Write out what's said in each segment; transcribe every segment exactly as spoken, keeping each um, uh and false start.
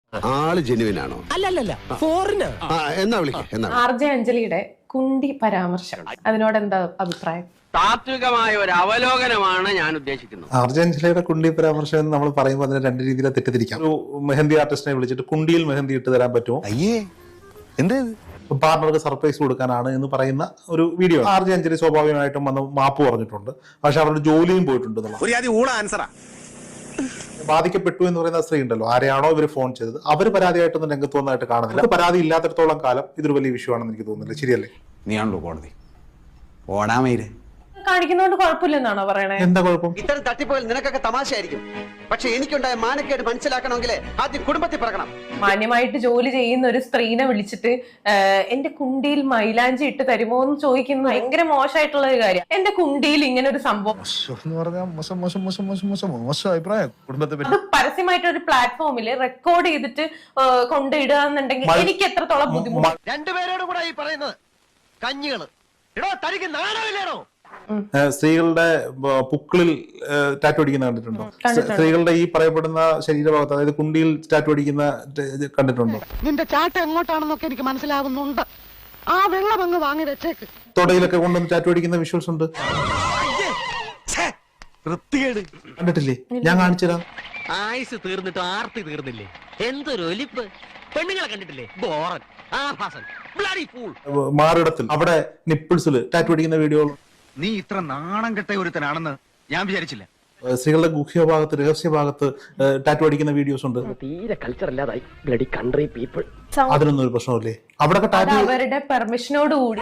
ആള് ജെനുവിൻ ആണോ? അല്ലല്ല ഫോറിന്. എന്നാ വിളിക്ക എന്നാ ആർ ജെ അഞ്ജലിയുടെ കുണ്ടി പരാമർശം, അതിനോട് എന്താ അഭിപ്രായം? താത്വികമായ ഒരു അവലോകനമാണ് ഞാൻ ഉദ്ദേശിക്കുന്നത്. ആർ ജെ അഞ്ജലിയുടെ കുണ്ടി പരാമർശം എന്ന് നമ്മൾ പറയുമ്പോൾ അതിനെ രണ്ട് രീതിയിൽ തെറ്റിദ്ധരിക്കാം. ഒരു മെഹന്തി ആർട്ടിസ്റ്റിനെ വിളിച്ചിട്ട് കുണ്ടിയിൽ മെഹന്തി ഇട്ട് തരാൻ പറ്റുമോ, അയ്യേ എന്തേ പാർട്ണർക്ക് സർപ്രൈസ് കൊടുക്കാനാണ് എന്ന് പറയുന്ന ഒരു വീഡിയോ. ആർ ജെ അഞ്ജലി സ്വാഭാവികമായിട്ടും വന്ന് മാപ്പ് പറഞ്ഞിട്ടുണ്ട്. പക്ഷെ അവരുടെ ജോലിയും പോയിട്ടുണ്ട്. ബാധിക്കപ്പെട്ടു എന്ന് പറയുന്ന സ്ത്രീ ഉണ്ടല്ലോ, ആരെയാണോ ഇവർ ഫോൺ ചെയ്തത്, അവർ പരാതിയായിട്ടൊന്നും രംഗത്ത് വന്നതായിട്ട് കാണുന്നില്ല. പരാതി ഇല്ലാത്തിടത്തോളം കാലം ഇതൊരു വലിയ വിഷയം ആണെന്ന് എനിക്ക് തോന്നുന്നില്ല. ശരിയല്ലേ? നീയാണല്ലോ കോടതി ഓടാമയില് കാണിക്കുന്നതുകൊണ്ട് കുഴപ്പമില്ലെന്നാണോ പറയണേ? എന്താ കുഴപ്പം? ഇത്തരം തട്ടിപ്പുകൾ നിനക്കൊക്കെ തമാശയായിരിക്കും, പക്ഷെ എനിക്കുണ്ടായ മാനക്കേട് മനസ്സിലാക്കണമെങ്കിൽ ആദ്യം കുടുംബത്തിൽ പറയണം. മാന്യമായിട്ട് ജോലി ചെയ്യുന്ന ഒരു സ്ത്രീനെ വിളിച്ചിട്ട് എന്റെ കുണ്ടിയിൽ മൈലാഞ്ചി ഇട്ട് തരുമോ എന്ന് ചോദിക്കുന്നത് ഭയങ്കര മോശമായിട്ടുള്ള ഒരു കാര്യം. എന്റെ കുണ്ടിയിൽ ഇങ്ങനെ ഒരു സംഭവം അത് പരസ്യമായിട്ട് ഒരു പ്ലാറ്റ്ഫോമിൽ റെക്കോർഡ് ചെയ്തിട്ട് കൊണ്ടിടുക എന്നുണ്ടെങ്കിൽ എനിക്ക് എത്രത്തോളം ബുദ്ധിമുട്ട്. രണ്ടുപേരോട് കൂടെ ഈ പറയുന്നത് കഞ്ഞികള് ഇടോ, തനിക്ക് നാണമില്ലേണോ? സ്ത്രീകളുടെ പുക്കിളിൽ ടാറ്റു അടിക്കുന്ന കണ്ടിട്ടുണ്ടോ? സ്ത്രീകളുടെ ഈ പറയപ്പെടുന്ന ശരീരഭാഗത്ത്, അതായത് കുണ്ടിയിൽ ടാറ്റു അടിക്കുന്ന കണ്ടിട്ടുണ്ടോ? നിന്റെ ചാട്ട എങ്ങോട്ടാണെന്നൊക്കെ എനിക്ക് മനസ്സിലാവുന്നുണ്ട്. ആ വെള്ളം അങ്ങ് വാങ്ങി വെച്ചേക്ക്. തൊടയിലൊക്കെ കൊണ്ടുവന്ന് ടാറ്റു അടിക്കുന്ന വിഷ്വൽസ് ഉണ്ട്. കണ്ടിട്ടില്ലേ? ഞാൻ കാണിച്ചുതരാം. ആയുസ് തീർന്നിട്ട് ആർത്തി തീർന്നില്ലേ? എന്തൊരു ഒലിപ്പ്! പെണ്ണുങ്ങളെ കണ്ടിട്ടില്ലേ? ബോറൻ, ആഭാസൻ, ബ്ലഡി ഫൂൾ. മാറിടത്തിൽ അവിടെ നിപ്പിൾസിൽ ടാറ്റു അടിക്കുന്ന വീഡിയോ. നീ ഇത്ര നാണം കെട്ട ഒരുത്തനാണെന്ന് ഞാൻ വിചാരിച്ചില്ല. സ്ത്രീകളുടെ ഗുഹ്യഭാഗത്ത്, രഹസ്യഭാഗത്ത് ടാറ്റു അടിക്കുന്ന വീഡിയോസ് ഉണ്ട്. തീരെ കൾച്ചർ ഇല്ലാതായി ബ്ലഡി കൺട്രി പീപ്പിൾ. അതിനൊന്നും ഒരു പ്രശ്നമില്ലേ? അവിടെ അവരുടെ പെർമിഷനോട് കൂടി.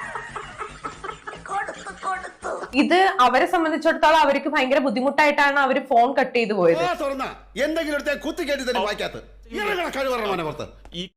ഇത് അവരെ സംബന്ധിച്ചിടത്തോളം അവർക്ക് ഭയങ്കര ബുദ്ധിമുട്ടായിട്ടാണ് അവര് ഫോൺ കട്ട് ചെയ്തു പോയത്. എന്തെങ്കിലും കുത്തി കേട്ടി തന്നെ വായിക്കാത്ത